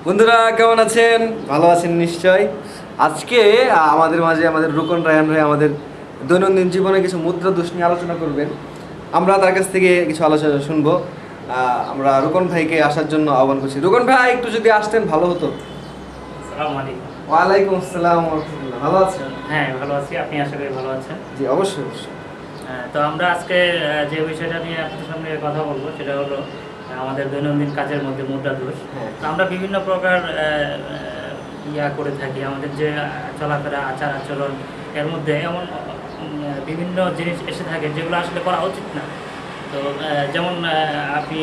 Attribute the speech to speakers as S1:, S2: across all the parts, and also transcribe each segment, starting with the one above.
S1: বন্ধুরা কেমন আছেন? ভালো আছেন নিশ্চয়। আজকে আমাদের মাঝে আমাদের রুকন রায়হান ভাই আমাদের দৈনন্দিন জীবনে কিছু মুদ্রা দোষ নিয়ে আলোচনা করবেন। আমরা তার কাছ থেকে কিছু আলোচনা শুনবো। আমরা রুকন ভাইকে আসার জন্য আহ্বান করছি। রুকন ভাই একটু যদি আসতেন ভালো হতো।
S2: আসসালামু আলাইকুম।
S1: ওয়ালাইকুম আসসালাম ওয়া রাহমাতুল্লাহ। ভালো আছেন?
S2: হ্যাঁ, ভালো আছি। আপনি আশা করি ভালো আছেন।
S1: জি অবশ্যই অবশ্যই।
S2: তো আমরা আজকে যে বিষয়টা নিয়ে আপনাদের সামনে কথা বলবো সেটা হলো আমাদের দৈনন্দিন কাজের মধ্যে মুদ্রা দোষ।
S1: হ্যাঁ।
S2: তো আমরা বিভিন্ন প্রকার ইয়া করে থাকি, আমাদের যে চলাফেরা আচার আচরণ এর মধ্যে এমন বিভিন্ন জিনিস এসে থাকে যেগুলো আসলে করা উচিত না। তো যেমন আপনি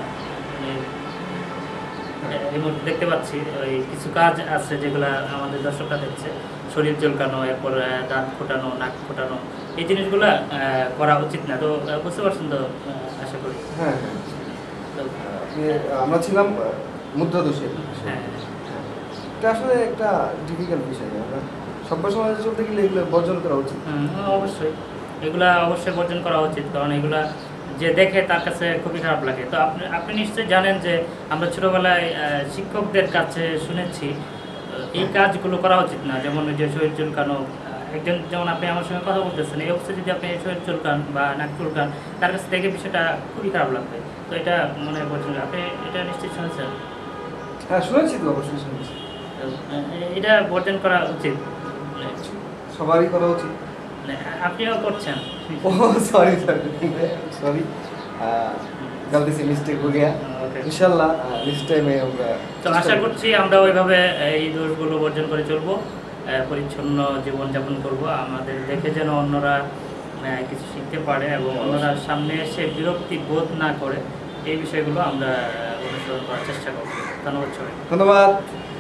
S2: এই মুহূর্তে দেখতে পাচ্ছি ওই কিছু কাজ আছে যেগুলো আমাদের দর্শকরা দেখছে, শরীর চুলকানো, এরপর দাঁত ফোটানো, নাক ফোটানো, এই জিনিসগুলো করা উচিত না। তো বুঝতে পারছেন তো আশা করি।
S1: হ্যাঁ হ্যাঁ।
S2: তো
S1: আমরা ছিলাম মুদ্রা দোষে।
S2: হ্যাঁ,
S1: এটা আসলে একটা ডিফিকাল্ট বিষয়। আমরা সভ্য সমাজে চলতে গেলে এগুলো বর্জন করা উচিত।
S2: অবশ্যই এগুলা অবশ্যই বর্জন করা উচিত, কারণ এগুলা যে দেখে তার কাছে খুবই খারাপ লাগে। তো আপনি আপনি নিশ্চয়ই জানেন যে আমরা ছোটোবেলায় শিক্ষকদের কাছে শুনেছি এই কাজগুলো করা উচিত না। যেমন ওই যে শরীর চুলকানো, একজন যেমন আপনি আমার সঙ্গে কথা বলতেছেন, এই অবস্থায় যদি আপনি শরীর চুলকান বা নাক চুলকান, তার কাছে দেখে বিষয়টা খুবই খারাপ লাগবে। তো এটা মনে বলছেন, আপনি এটা নিশ্চয়ই শুনেছেন।
S1: হ্যাঁ শুনেছি তো, অবশ্যই শুনেছি।
S2: তো, এটা বর্জন করা উচিত,
S1: সবারই করা উচিত।
S2: আপনিও করছেন।
S1: ও সরি সরি সরি, गलती से मिस्टेक हो गया।
S2: Okay.
S1: इंशाल्लाह नेक्स्ट टाइम আমরা
S2: তো আশা করছি আমরা ওইভাবে এই দোষগুলো বর্জন করে চলবো, পরিচ্ছন্ন জীবনযাপন করব, আমাদের দেখে যেন অন্যরা কিছু শিখতে পারে এবং অন্যরা সামনে এসে বিরক্তি বোধ না করে, এই বিষয়গুলো আমরা অনুসরণ করার চেষ্টা করব। ধন্যবাদ সবাই।
S1: ধন্যবাদ।